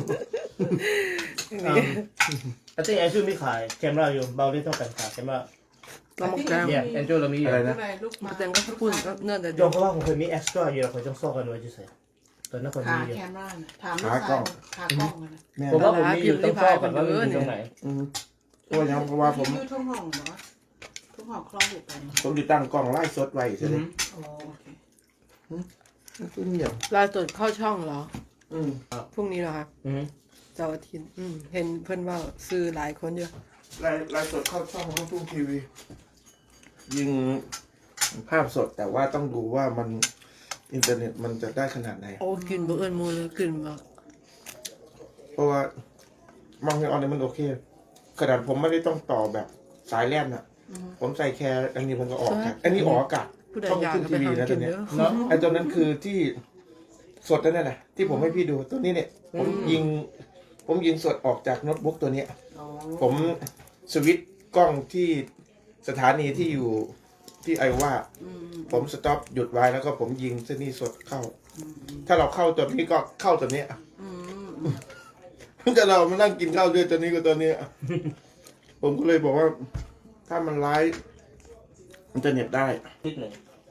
[SPEAKER 4] I think Andrew มีขายแคมราอยู่เบาได้เท่ากันขายแคมรา
[SPEAKER 1] เรามาแกง
[SPEAKER 4] เนี่ย Andrew เรามีอยู่
[SPEAKER 2] อะไรนะ
[SPEAKER 3] อะไรลูกมา
[SPEAKER 1] แตงก็ขปุ่นก็เนื้อแต่
[SPEAKER 4] ยอมเพราะว่าผมเคยมี extra อยู่แล้วผมต้องซอกกันไว้เฉยๆตอนนั้นคน
[SPEAKER 3] ขา
[SPEAKER 4] มีอยู่
[SPEAKER 3] แคมราน่ะถามลูกชายขากล้องอะนะ
[SPEAKER 2] แม่
[SPEAKER 4] ผมว่าผมมีอยู่ต้องซอกกันว่ามันอยู่ตรงไหน
[SPEAKER 2] อืมเพราะว่ายังเพราะว่าผม
[SPEAKER 3] อยู่ทุ่งห้องเหรอทุ่งห้องคลองอยู่ไป
[SPEAKER 2] ผมติดตั้งกล้องไล่สดไว้ใช่ไหม
[SPEAKER 3] อ๋อโอเค
[SPEAKER 2] คือเงียบ
[SPEAKER 1] ลาสดเข้าช่องเหรอ
[SPEAKER 2] อืม
[SPEAKER 1] พรุ่งนี้เหรอคะ
[SPEAKER 4] อือ
[SPEAKER 1] เสาร์อาทิตย์อืมเห็นเพิ่นว่าซื้อหลายคนอยู่
[SPEAKER 2] ไล่ไล่สดเข้าช่องลูกทุ่งทีวี ยิงภาพสดแต่ว่าต้องดูว่ามันอินเทอร์เน็ตมันจะได้ขนาดไหน
[SPEAKER 1] โอ้กินบ่เอิ้นหมู่เลยกินบ่
[SPEAKER 2] เพราะว่ามังเงออนเนี่ยมันโอเค ขนาดผมไม่ได้ต้องต่อแบบสายแล่นอ่ะ ผมใส่แค่อันนี้ผมก็ออกจากอันนี้ออกอากาศ
[SPEAKER 1] ผู้ใด
[SPEAKER 2] ช่อง
[SPEAKER 1] อยาก
[SPEAKER 2] ขึ้น
[SPEAKER 1] ก็
[SPEAKER 2] ที
[SPEAKER 1] ไป
[SPEAKER 2] วี
[SPEAKER 1] หา
[SPEAKER 2] นะ
[SPEAKER 1] กิ
[SPEAKER 2] ตัวน เนี้ย
[SPEAKER 1] เด้อ
[SPEAKER 4] เนาะ
[SPEAKER 2] ไอ้ตัวนั้นคือที่สดนั่นแหละที่ผมให้พี่ดูตัวนี้เนี่ย ผมยิง ผมยิงสดออกจากโน้ตบุ๊กตัวเนี้ย
[SPEAKER 3] อ๋อ
[SPEAKER 2] ผมสวิตช์กล้องที่สถานีที่อยู่ที่ไอว่า
[SPEAKER 3] อืม
[SPEAKER 2] ผมสต็อปหยุดไว้แล้วก็ผมยิงเส้นนี้สดเข้า ถ้าเราเข้าตัวนี้ก็เข้าตัวเนี้ย
[SPEAKER 3] อืม
[SPEAKER 2] ถ้าเรามานั่งกินข้าวด้วยตัวนี้กับตัวเนี้ย ผมก็เลยบอกว่า ถ้ามันไลฟ์อินเทอร์เน็ตได้
[SPEAKER 4] นิดหนึ่ง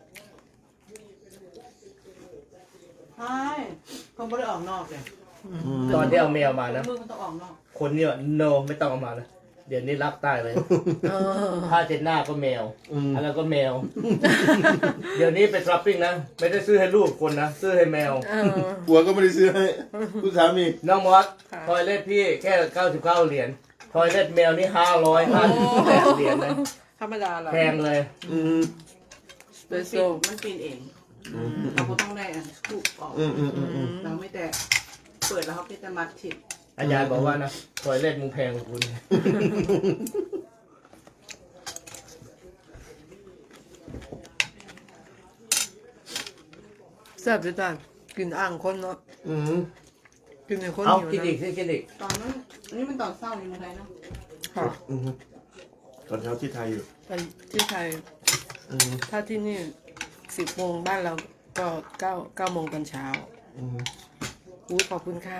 [SPEAKER 3] ใช่คงไม่ได้ออกนอกเลย
[SPEAKER 4] ตอนที่เอาแมวมานะ
[SPEAKER 3] มือมันต้องออกนอก
[SPEAKER 4] คนเนี่ย no ไม่ต้องเอามานะเดี๋ยวนี้รักตายเลย
[SPEAKER 1] เออ
[SPEAKER 4] ผ้าเช็ดหน้าก็แมว
[SPEAKER 2] อืม
[SPEAKER 4] อะไรก็แมว เดี๋ยวนี้ไปช้อปปิ้งนะ ไม่ได้ซื้อให้ลูกคนนะ ซื้อให้แมว
[SPEAKER 1] เออ
[SPEAKER 2] หัวก็ไม่ได้ซื้อให้คุณสามี
[SPEAKER 4] น้องมอส
[SPEAKER 1] ค่ะ
[SPEAKER 4] ทอยเล็ตพี่แค่เก้าสิบเก้าเหรียญทอยเล็ตแมวนี่ห้าร้อยห้าสิบแปดเหรียญนะ
[SPEAKER 1] ธรรมดาล่ะ
[SPEAKER 4] แพงเลย
[SPEAKER 2] อืม
[SPEAKER 1] สเป
[SPEAKER 3] มัน
[SPEAKER 1] โซ
[SPEAKER 3] ปีนมันปีนเอง เราก็ต้องได้อันสกูปออก
[SPEAKER 2] อืมอืมอืมอืม
[SPEAKER 3] เราไม่แต่เปิดแล้วเขาก็จะมัดถิด
[SPEAKER 4] อาจารย์บอกว่านะทอยเล็ตมึงแพงกว่าคุณ
[SPEAKER 1] แซ่บด้วยจ้ะกินอ่างคนเนาะ
[SPEAKER 2] อืม
[SPEAKER 1] กินในคน
[SPEAKER 4] เอา
[SPEAKER 1] หิว
[SPEAKER 4] กินอีก
[SPEAKER 1] นะ
[SPEAKER 4] สิกินอีก
[SPEAKER 3] ตอนนั้นอันนี้มันตอนเศร้าในเมืองไทยเนาะ
[SPEAKER 1] ค่ะ
[SPEAKER 2] อืมตอนเช้าที่ไทยอยู่
[SPEAKER 1] ไปที่ไทย
[SPEAKER 2] อืม
[SPEAKER 1] ถ้าที่นี่สิบโมงบ้านเราก็เก้าเก้าโมงตอนเช้า
[SPEAKER 2] อืม
[SPEAKER 1] อู้ขอบคุณค่ะ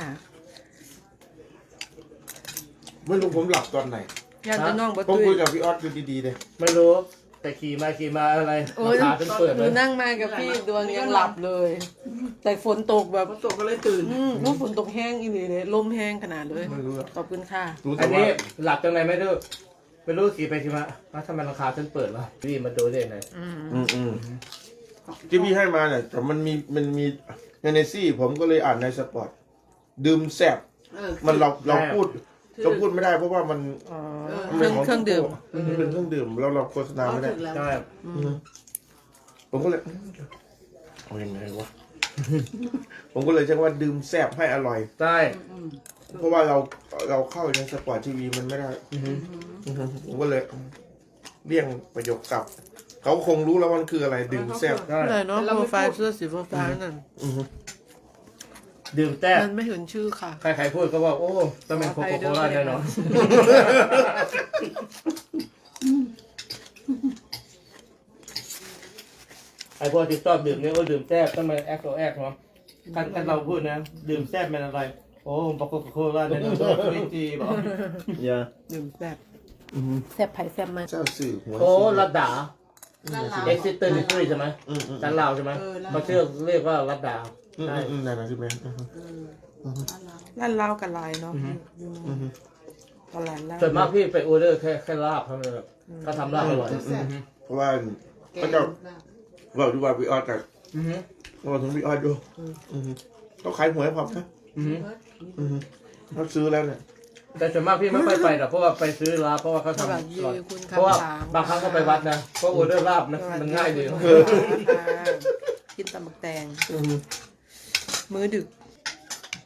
[SPEAKER 2] ไม่รู้ผมหลับตอนไหน
[SPEAKER 1] ญาติน้องบั
[SPEAKER 2] ผม
[SPEAKER 1] ตุ
[SPEAKER 2] คุย
[SPEAKER 1] ย
[SPEAKER 2] กับพี่ออสอยู่ดีๆเลย
[SPEAKER 4] ไม่รู้แต่ขี่มาขี่มาอะไร
[SPEAKER 1] โอ้ย
[SPEAKER 4] ขาเป็นเปิด
[SPEAKER 1] ห
[SPEAKER 4] เล
[SPEAKER 1] นู
[SPEAKER 4] ย
[SPEAKER 1] นั่งมากับพี่ดวงยังหลับเลย แต่ฝนตกแบบ
[SPEAKER 3] พอตกก็เลยตื่น
[SPEAKER 1] อืมว่าฝนตกแห้งอีหลีเลยลมแห้งขนาดเลย
[SPEAKER 2] ไม่รู้อะ
[SPEAKER 1] ขอบคุณค่ะ
[SPEAKER 2] รู้
[SPEAKER 4] อั
[SPEAKER 2] แต่
[SPEAKER 4] น
[SPEAKER 2] ว่า
[SPEAKER 4] นี้หลับจังไหนไม่รู้ไม่รู้ขี่ไปขี่มาอ้าวทำไมราคาฉันเปิดวะพี่มาดูได้ไหน
[SPEAKER 1] อืม
[SPEAKER 2] อืมอืมที่พี่ให้มาเนี่ยแต่มันมีมันมีในในซี่ ผมก็เลยอ่านในสปอร์ตดื่มแซ่บ
[SPEAKER 3] เออ
[SPEAKER 2] มันเราเราพูดเราพูดไม่ได้เพราะว่ามัน
[SPEAKER 1] อ๋อ
[SPEAKER 2] มัน
[SPEAKER 1] เครื่องเครื่องดื่ม
[SPEAKER 2] มันเป็นเครื่องดื่มเราเราโฆษณา
[SPEAKER 3] เอา
[SPEAKER 2] ไม่ได้
[SPEAKER 3] ถึงแล้ว
[SPEAKER 4] ใช่
[SPEAKER 2] อืมผมก็เลยเอายังไงวะ ผมก็เลยใช้ว่าดื่มแซ่บให้อร่อย
[SPEAKER 4] ใช่
[SPEAKER 3] อืม
[SPEAKER 2] เพราะว่าเราเราเข้าในสปอร์ตทีวีมันไม่ได้
[SPEAKER 4] อือหือ
[SPEAKER 2] อือฮึผมก็เลยเลี่ยงประโยคกลับ เขาคงรู้แล้วมันคืออะไรดื่มแซ่บ
[SPEAKER 4] ใช่
[SPEAKER 1] อะไรเนาะโปรไฟล์เสื้อสีฟ้าๆนั่น
[SPEAKER 2] อือฮึ
[SPEAKER 4] ดื่มแต้ม
[SPEAKER 1] มันไม่เห็นชื่อค่ะ
[SPEAKER 4] ใครๆพูดก็ว่าโอ้ต้องเป็นโคโคโคล่าแน่นอน ไอพวกที่ชอบดื่มเนี่ยก็ดื่มแซ่บต้องมาแอคโตแอคเนาะคันคันเราพูดนะ ดื่มแซ่บเป็นอะไร โอ้ปโคโคล่าแน่นอนไม่จีบอก
[SPEAKER 2] อย่า
[SPEAKER 1] ดื่มแซ่บ
[SPEAKER 2] อือฮึ
[SPEAKER 1] แซ่บไผ่แซ่บมัน
[SPEAKER 2] เจ้าสื่อหัว
[SPEAKER 4] โอ้
[SPEAKER 2] สื่อ
[SPEAKER 4] รัดดา
[SPEAKER 3] ลาดลาว
[SPEAKER 4] เอ็กซิสเตอร์นิฟรีใช่ไหม
[SPEAKER 2] อืมอืม
[SPEAKER 4] จันลาวใช่ไหม
[SPEAKER 3] เออลาว
[SPEAKER 4] เขาเชื่อเรียกว่ารัดดา
[SPEAKER 2] อืม
[SPEAKER 4] ใช่
[SPEAKER 2] อืมนั่นนะใช่ไหมอือฮึ
[SPEAKER 3] เออลาดลาว
[SPEAKER 1] ร้านเหล้ากับลายเนาะ
[SPEAKER 2] อือฮึ
[SPEAKER 1] ตลาดเหล้า
[SPEAKER 4] ส่วนมากพี่ไปออเดอร์แค่แค่ลาบเท่านั้นแบบเขาทำลาบอร่อย
[SPEAKER 3] แซ่บ
[SPEAKER 2] เพราะว่า
[SPEAKER 3] แก
[SPEAKER 2] ก็
[SPEAKER 3] ง
[SPEAKER 2] จะ
[SPEAKER 3] ลาบ
[SPEAKER 2] บอกดูว่าพี่ออสกับ
[SPEAKER 4] อือฮึ
[SPEAKER 2] บอกถึงพี่ออสดูอือฮึเขาขายหวยพอนะ
[SPEAKER 4] อือฮึ
[SPEAKER 2] อือฮึเขาซื้อแล้วเนี่ย
[SPEAKER 4] แต่ส่วนมากพี่ไม่ค่อยไปหรอกเพราะว่าไปซื้อลาบเพราะว่าเขา
[SPEAKER 1] ส
[SPEAKER 4] ทำ
[SPEAKER 1] วั
[SPEAKER 4] อ
[SPEAKER 1] สดี
[SPEAKER 4] ร่อย
[SPEAKER 1] คุณ
[SPEAKER 4] เพราะว่า
[SPEAKER 1] คำสาม
[SPEAKER 4] บางครั้งก็ไปวัดนะเพราะออเดอร์ลาบนะมันง่ายดี
[SPEAKER 1] ค่ะกินตำบักแตง
[SPEAKER 2] อือฮึ
[SPEAKER 1] มื้อดึก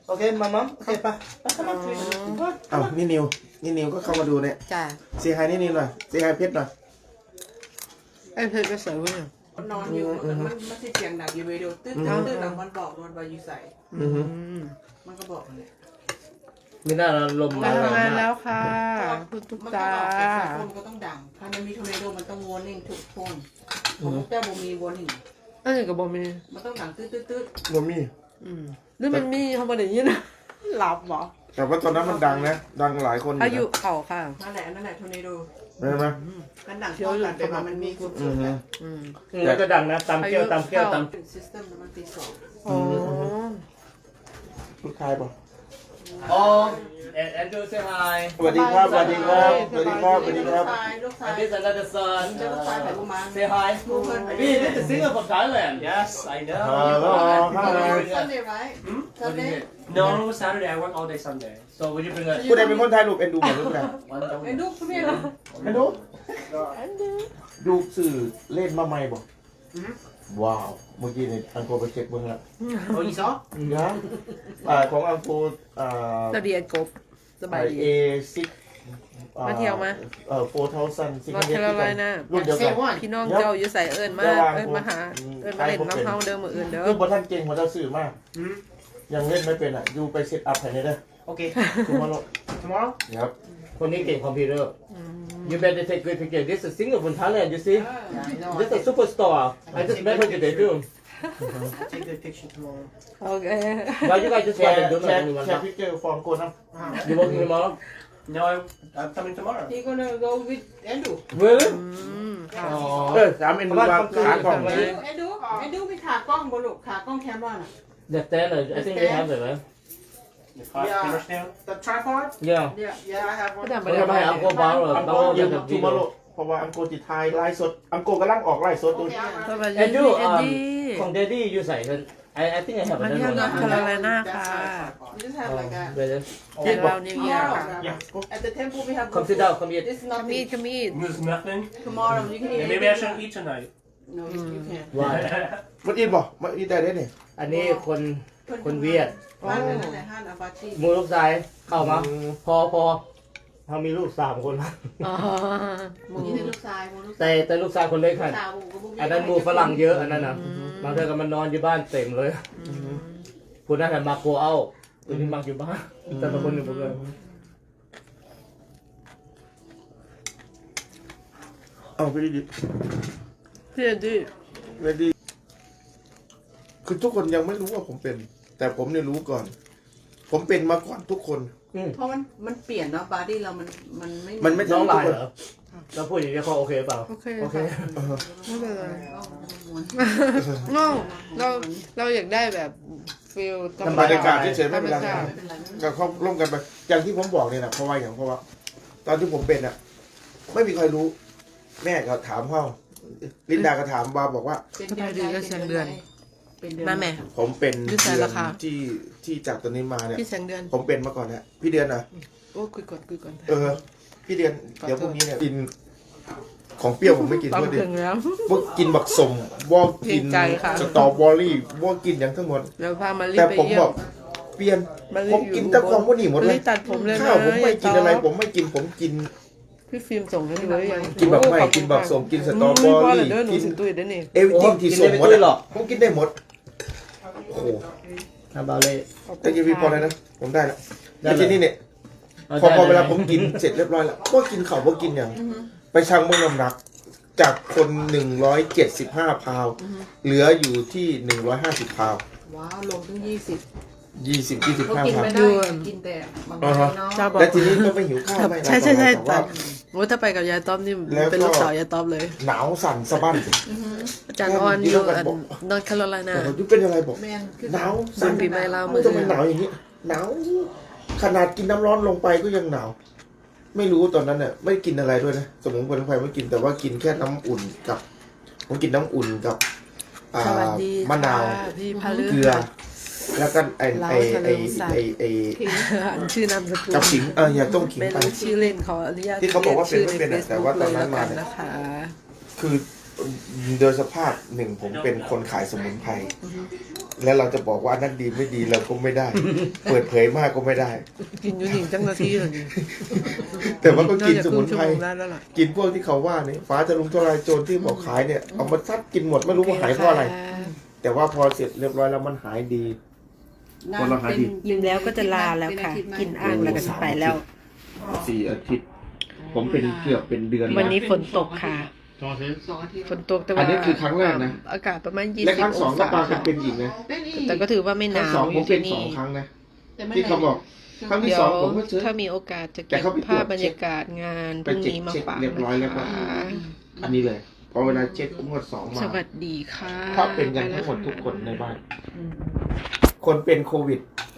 [SPEAKER 4] โอเคมามัมโอเคปะ
[SPEAKER 2] อ้าวนี่นิวนี่นิวก็เข้ามาดูเนี่ย
[SPEAKER 1] จ้า
[SPEAKER 2] เสียหายนี่นิวหน่อยเสียหายเพชรหน่อย
[SPEAKER 1] ไอ้เพชรก็ใส่ไว้เนี่ย
[SPEAKER 3] นอนอยู่มันมันมันสิเสียงดังอยู่เวดีโอตื้อตื้อตื้อหลังมันบอกโดนใบอยู่ใส่
[SPEAKER 2] อือฮึ
[SPEAKER 3] มันก็บอกเลย
[SPEAKER 4] ไม่น่าลม
[SPEAKER 1] มา
[SPEAKER 4] มา
[SPEAKER 1] ทำงานแล้วค่ะคุณตุ๊ก
[SPEAKER 3] มัน
[SPEAKER 1] ตา
[SPEAKER 3] ก็บอกแต่โฟนก็ต้องดังถ้ามันมีทอร์เนโดมันต้องวอร์นิ่งทุกโฟนของลูกแก้วบ่มีวอร์นิ่ง
[SPEAKER 1] อันนี้ก็บอกมี
[SPEAKER 3] มันต้องดังตื้อตื้อตื้อ
[SPEAKER 2] บ่มี
[SPEAKER 1] อืมหรือมันมีเขาบอกอย่างนี้นะหลับเหรอ
[SPEAKER 2] แต่ว่าตอนนั้นมันดังนะดังหลายคน
[SPEAKER 1] อายุเข่าค่ะ
[SPEAKER 3] นั่นแหละนั่นแหละทอร์เนโด
[SPEAKER 2] ใช่ไหม
[SPEAKER 3] มันดังเข้ากันแต่ว่ามันมีสุด
[SPEAKER 2] อือ
[SPEAKER 3] ๆ
[SPEAKER 2] ฮึ
[SPEAKER 3] แล้ว
[SPEAKER 1] อืม
[SPEAKER 4] แล้วก็ดังนะตำเกี้ยวตำเกี้ยวต
[SPEAKER 3] ซิสเต็มมันตีสอง
[SPEAKER 1] อ๋อ
[SPEAKER 2] ลูกชายป่ะ
[SPEAKER 4] ำอ๋อแอนแอนดูเซฮาย
[SPEAKER 2] สวัสดีครับสวัสดีครับสวัสดีครับสวัสดีค
[SPEAKER 3] ลู
[SPEAKER 2] รั
[SPEAKER 3] ก
[SPEAKER 2] บ
[SPEAKER 3] ชายลูกชาย
[SPEAKER 4] And this another son.
[SPEAKER 3] เจ้าลูกชายไผ่บุมาน
[SPEAKER 4] Say hi. We did the singer from Thailand.
[SPEAKER 5] Yes, I know.
[SPEAKER 2] Hello, hi.
[SPEAKER 3] Sunday right Sunday
[SPEAKER 5] No, Saturday I work all day Sunday.
[SPEAKER 4] So would you bring a
[SPEAKER 2] ผู้ใดเป็นคนไทยลูกเอ็นดูหมดหรือเปล่า
[SPEAKER 5] One
[SPEAKER 3] เอ็น
[SPEAKER 5] don't.
[SPEAKER 3] ดูคุณพี่นะ
[SPEAKER 2] เอ็นดูดูสื่อเล่นมาใหม่บ่ว้าวเมื่อกี้เนี่ยอังโกไปเช็คเบิ่งละ
[SPEAKER 5] Oh, you saw?
[SPEAKER 2] ยังอ่าของอังโกอ่า
[SPEAKER 1] เราเรียนกบสบายดี
[SPEAKER 2] เอซิก
[SPEAKER 1] มาเที่ยวมา
[SPEAKER 2] เอ่อโฟร์เทาซันซิก
[SPEAKER 1] นอร์ทแคโรไลนา
[SPEAKER 2] รุ่นเดียวกัน
[SPEAKER 1] พี่น้องเจ้าอยู่ใส่เอิญมาเอิญมาหาเอิญมาเล่นน้ำเฮาเดิมมืออื่นเด้อ
[SPEAKER 2] คือบทท่านเก่งของเจ้าสื่อมากยังเล่นไม่เป็นอ่ะอยู่ไปเซตอัพให้ได้เด้อ
[SPEAKER 5] Okay.
[SPEAKER 2] ถูกมาแล้ว
[SPEAKER 5] Tomorrow?
[SPEAKER 2] ครับ
[SPEAKER 4] คนนี้เก่งคอมพิวเตอร์ You better take good picture. This is a singer from Thailand. You see?
[SPEAKER 5] Yeah, I know.
[SPEAKER 4] This is a superstar. I just met her today too.
[SPEAKER 5] I'll take the picture tomorrow.
[SPEAKER 1] โอเค
[SPEAKER 4] Why you guys just
[SPEAKER 2] แช
[SPEAKER 4] want
[SPEAKER 2] ร์
[SPEAKER 4] to do
[SPEAKER 2] แชร์
[SPEAKER 4] that?
[SPEAKER 2] แชร์พิกเจอร์ฟอร์มโกนนะ
[SPEAKER 4] You working tomorrow?
[SPEAKER 5] No, I, I'm coming tomorrow.
[SPEAKER 3] he gonna go with เอ็นดู
[SPEAKER 4] Really?
[SPEAKER 1] อืม
[SPEAKER 4] Oh.
[SPEAKER 2] เออสามเอ็นดูว่าขากล่อง
[SPEAKER 3] เอ็นดูเอ็นดูเอ็นดูมีขากล้องบนลูกขากล้องแคมรอนอ่ะ
[SPEAKER 4] The stand. I think they have it, man.
[SPEAKER 5] The car
[SPEAKER 3] Yeah.
[SPEAKER 5] camera stand.
[SPEAKER 3] the tripod
[SPEAKER 4] Yeah.
[SPEAKER 3] yeah yeah I have
[SPEAKER 1] ก็
[SPEAKER 3] one
[SPEAKER 1] ทำไป
[SPEAKER 4] ไม่
[SPEAKER 1] ได้
[SPEAKER 4] ได้ไม่ให้อังโกบาร์หรอ
[SPEAKER 2] อัง
[SPEAKER 4] เรา
[SPEAKER 2] โก
[SPEAKER 4] จะ
[SPEAKER 2] ยืม
[SPEAKER 4] แบบ
[SPEAKER 2] ทู
[SPEAKER 4] วิดี
[SPEAKER 2] มา
[SPEAKER 4] โอ
[SPEAKER 2] โลเพราะว่าอังโกติดไทยไลฟ์สดอังโกกำลังออกไลฟ์สดดู
[SPEAKER 1] สบายดี
[SPEAKER 4] แอนดู
[SPEAKER 1] เอ็นดี้
[SPEAKER 4] ของเดดดี้อยู่ใส่กัน I I think I have
[SPEAKER 1] มา
[SPEAKER 4] another
[SPEAKER 1] เที่ยวนอร์ท
[SPEAKER 4] one.
[SPEAKER 1] แคโรไลนาค่ะ
[SPEAKER 3] we just have like a
[SPEAKER 4] เดี๋ยว
[SPEAKER 1] แต่เรานิวเยียร์
[SPEAKER 3] tomorrow
[SPEAKER 5] Yeah.
[SPEAKER 3] at the temple we have
[SPEAKER 4] come sit down come here.
[SPEAKER 3] this is
[SPEAKER 1] ขมี
[SPEAKER 3] nothing
[SPEAKER 1] ดขมีด
[SPEAKER 5] There's nothing.
[SPEAKER 3] tomorrow you can eat
[SPEAKER 5] And maybe I shouldn't eat tonight.
[SPEAKER 3] no you you can
[SPEAKER 4] Why?
[SPEAKER 2] มันอินบ่มันอินได้ได้เนี่ย
[SPEAKER 4] อันนี้คนคนเวียด
[SPEAKER 3] ห้านนั่นแหละห้านอาบาชี
[SPEAKER 4] มือลูกชายเข้ามา พอพอเขามีลูกสามคนแล้ว
[SPEAKER 1] อ๋อหมู
[SPEAKER 3] นี่เป็นลูกชายลูก
[SPEAKER 4] แต่แต่ลูกชายคนเล็กค่ะ
[SPEAKER 3] สาวบุก
[SPEAKER 4] อันนั้นหมูฝรั่งเยอะอันนั้นนะบางเทื่อก็มันนอนอยู่บ้านเต็มเลยคุณน่าจะมาโกเอาคุณนี่มักอยู่บ้านแต่บางคนหนึ่งผมเลย
[SPEAKER 2] เอาไปดิ
[SPEAKER 1] พี่เอ็นดี้
[SPEAKER 2] เรดี้คือทุกคนยังไม่รู้ว่าผมเป็น แต่ผมเนี่ยรู้ก่อน ผมเป็นมาก่อนทุกคน
[SPEAKER 3] เพราะมันมันเปลี่ยนเนาะบอดี้เรามันมันไม่
[SPEAKER 2] มันไม่
[SPEAKER 4] น้อง
[SPEAKER 2] ทุ
[SPEAKER 4] ลาก ย
[SPEAKER 2] คน
[SPEAKER 4] เหรอเราพูดอย่างนี้เขาโอเคเปล่า
[SPEAKER 1] โอเค
[SPEAKER 4] โอเค
[SPEAKER 1] ค่ะไม่เป็นไรเราเราเราอยากได้แบบฟิลธรรม
[SPEAKER 2] บรรยากา
[SPEAKER 1] ชา
[SPEAKER 2] ศ
[SPEAKER 1] ติ
[SPEAKER 2] เฉยๆไม่เป็นไร
[SPEAKER 1] ธรรมชาติ
[SPEAKER 2] กับเขาร่วมกันไปอย่างที่ผมบอกเนี่ยนะเพราะว่าอย่างเพราะว่า ตอนที่ผมเป็นอ่ะ ไม่มีใครรู้ แม่ก็ถามพ่อลินดาก็ถามบาบอกว่า
[SPEAKER 1] มาแม่
[SPEAKER 2] ผมเป็น
[SPEAKER 1] ยืดสาย
[SPEAKER 2] เดือ
[SPEAKER 1] ราน คา
[SPEAKER 2] ที่ที่จากตัวนี้มาเนี่ย
[SPEAKER 1] พี่แสงเดือน
[SPEAKER 2] ผมเป็นมาก่อนเนี่ยพี่เดือนนะ
[SPEAKER 1] โอ้คุยก่อนคุยก่อน
[SPEAKER 2] เออ พี่เดือนเดี๋ยวพรุ่งนี้เนี่ยกินของเปรี้ยวผมไม่กิน
[SPEAKER 1] ตอน
[SPEAKER 2] ด้วยดิ
[SPEAKER 1] ถึงแล้ว
[SPEAKER 2] พวกกินบักสมวอกกิน
[SPEAKER 1] เกรงใจค่ะ
[SPEAKER 2] สตรอเบอรี่วอกกินอย่างทั้งหมด
[SPEAKER 1] เดี๋ยวพามารี
[SPEAKER 2] แต่
[SPEAKER 1] ไป
[SPEAKER 2] ผม
[SPEAKER 1] เยี่ย
[SPEAKER 2] บ
[SPEAKER 1] ม
[SPEAKER 2] อกเปลี่ยน
[SPEAKER 1] มารี
[SPEAKER 2] ผมกินแต่ของพวกนี้หมดเลย
[SPEAKER 1] รีตัดผมเลย
[SPEAKER 2] ข้าวผมไม่กินอะไร
[SPEAKER 1] ต่
[SPEAKER 2] ผมไม่กินผมกิน
[SPEAKER 1] พี่ฟิล์มส่งให้ดูหรือยัง
[SPEAKER 2] กินแบบไม่กินแบบสมกินสตรอเบอรี่
[SPEAKER 1] กิ
[SPEAKER 2] กิ
[SPEAKER 1] น
[SPEAKER 2] น
[SPEAKER 1] ตุ้ยได้นี่
[SPEAKER 2] เอวิทิ้งที่ส่งหมด
[SPEAKER 4] กินได้ไม่ตุ้ยหรอก
[SPEAKER 2] ผมกินได้หมดโอ้โห
[SPEAKER 4] ทำบาเล่
[SPEAKER 2] แต่กินพี่พอแล้วนะผมได้แล้ว
[SPEAKER 4] ได้
[SPEAKER 2] แล้ว
[SPEAKER 4] เลย
[SPEAKER 2] ทีนี้เนี่ยพอพอเวลาผมกินเสร็จเรียบร้อยแล้วก็กินข้าวก็กินอย่างไปชั่งมื้อน้ำหนัก จากคนหนึ่งร้อยเจ็ดสิบห้าพาวเหลืออยู่ที่หนึ่งร้อยห้าสิบพาว
[SPEAKER 3] ว้าวลงถึงยี่สิบ
[SPEAKER 2] ยี่สิบยี่สิบ
[SPEAKER 3] เขา
[SPEAKER 2] ห้า
[SPEAKER 3] กิน
[SPEAKER 2] พาว
[SPEAKER 3] ไม่ได้กินแต่บางวันเนาะ
[SPEAKER 1] เจ้าบอก
[SPEAKER 2] และทีนี้ก็ไม่หิวข้าวไม่อะไร
[SPEAKER 1] ใช่ใช่ใช่
[SPEAKER 2] แต่
[SPEAKER 1] แต่
[SPEAKER 2] ว่า
[SPEAKER 1] โอ้ถ้าไปกับยายต้อมนี่
[SPEAKER 2] แล้วก็
[SPEAKER 1] เป็นลูกสาวยายต้อมเลย
[SPEAKER 2] หนาวสั่นสะบั้น
[SPEAKER 1] อาจารย์ออนอยู่อันนอร์ทแคโรไลนา
[SPEAKER 2] แต่ผมยุเป็นอะไรบอก
[SPEAKER 3] แม่นคือ
[SPEAKER 2] หนาว
[SPEAKER 1] สั่นปีใหม่ลาวมือ
[SPEAKER 2] ทำไมหนาวอย่างนี้หนาวขนาดกินน้ำร้อนลงไปก็ยังหนาว ไม่รู้ตอนนั้นเนี่ยไม่กินอะไรด้วยนะสมุนไพรไม่กินแต่ว่ากินแค่น้ำอุ่นกับ ผมกินน้ำอุ่นกับอ่า
[SPEAKER 1] สวัสดี
[SPEAKER 2] มะนาว
[SPEAKER 1] ค่ะพี่พาลือ
[SPEAKER 2] เกลือ แล้วก็ไอไอไอ
[SPEAKER 1] เราทะเลใส่
[SPEAKER 2] ไอไอ
[SPEAKER 1] อันชื่อนามสกุล
[SPEAKER 2] กับขิงเอออย่าต้มขิง
[SPEAKER 1] ไม่
[SPEAKER 2] ไป
[SPEAKER 1] รู้ชื่อเล่นเขาอนุญาต
[SPEAKER 2] ที่เขาบอกว่าเป็นไม่เป็น
[SPEAKER 1] รี
[SPEAKER 2] อะ
[SPEAKER 1] ยก
[SPEAKER 2] แต่ว่าตอนนั้นมา
[SPEAKER 1] ชื่
[SPEAKER 2] เนี่ย
[SPEAKER 1] ใ Facebook เลยแล้วกันะคะ
[SPEAKER 2] คือโดยสภาพหนึ่งผมเป็นคนขายสมุนไพรแล้วเราจะบอกว่าอันนั้นดีไม่ดีเราก็ไม่ได้ เปิดเผยมากก็ไม่ได้
[SPEAKER 1] กินอยู่หนึ่งจังนาทีเลยนี่
[SPEAKER 2] แต่ว่าก็กิน
[SPEAKER 1] าจะ
[SPEAKER 2] สมุน
[SPEAKER 1] ครึ่ง
[SPEAKER 2] ไพร
[SPEAKER 1] ชั่วโงได้แล้วล่ะ
[SPEAKER 2] กินพวกที่เขาว่านี่ฟ้าจะลุงทลายโจรที่บอกขายเนี่ยเอามาซัดกินหมดไม่รู้ว่าหายเพราะอะไร แต่ว่าพอเสร็จเรียบร้อยแล้วมันหายดี คนละหายดี
[SPEAKER 1] ยิ้มแล้วก็จะลาแล้วค่ะ กินอ่างแล้วก็จะไปแล้ว
[SPEAKER 2] สี่อาทิตย์ ผมเป็นเกือบเป็นเดือน
[SPEAKER 1] วันนี้ฝนตกค่ะ
[SPEAKER 3] สองอาทิตย์
[SPEAKER 1] ฝนตกแต่ว่า
[SPEAKER 2] อันนี้คือครั้งแรกนะ
[SPEAKER 1] อากาศประมาณยี่
[SPEAKER 2] และ
[SPEAKER 1] สิ
[SPEAKER 2] ค
[SPEAKER 1] บ
[SPEAKER 2] รั้งส
[SPEAKER 1] อ
[SPEAKER 2] อง
[SPEAKER 1] ง
[SPEAKER 2] ก็
[SPEAKER 1] ศา
[SPEAKER 2] ปากันเป็นอีกนะ
[SPEAKER 3] เป็นอีก
[SPEAKER 1] แต่ก็ถือว่าไม่ห
[SPEAKER 2] ครั้
[SPEAKER 1] นาง ว
[SPEAKER 2] สอง
[SPEAKER 1] อ
[SPEAKER 2] ผม
[SPEAKER 1] ยู่
[SPEAKER 2] เป็
[SPEAKER 1] ที่
[SPEAKER 2] นสอ
[SPEAKER 1] นี่
[SPEAKER 2] งครั้งนะ
[SPEAKER 3] แต่ไม่
[SPEAKER 2] ที่เขาบอก ครั้งที่
[SPEAKER 1] เดี๋ย
[SPEAKER 2] ส
[SPEAKER 1] ว
[SPEAKER 2] องผมก็เจอ
[SPEAKER 1] ถ้ามีโอกาสจะ
[SPEAKER 2] แต่
[SPEAKER 1] เก็บ
[SPEAKER 2] เขาไปตรวจ
[SPEAKER 1] ภาพบรรยากาศงานพ
[SPEAKER 2] ไป
[SPEAKER 1] รุ่ง
[SPEAKER 2] เช็ค
[SPEAKER 1] นี้มา
[SPEAKER 2] เช็ค
[SPEAKER 1] ฝาก
[SPEAKER 2] เรียบร้อยแล้วก็
[SPEAKER 1] นะคะ
[SPEAKER 2] อันนี้เลยพอเวลาเช็คงวดสองมา
[SPEAKER 1] สวัสดีค่ะ
[SPEAKER 2] ถ้าเป็นกันทั้งหมดทุกคนในบ้าน คนเป็นโควิด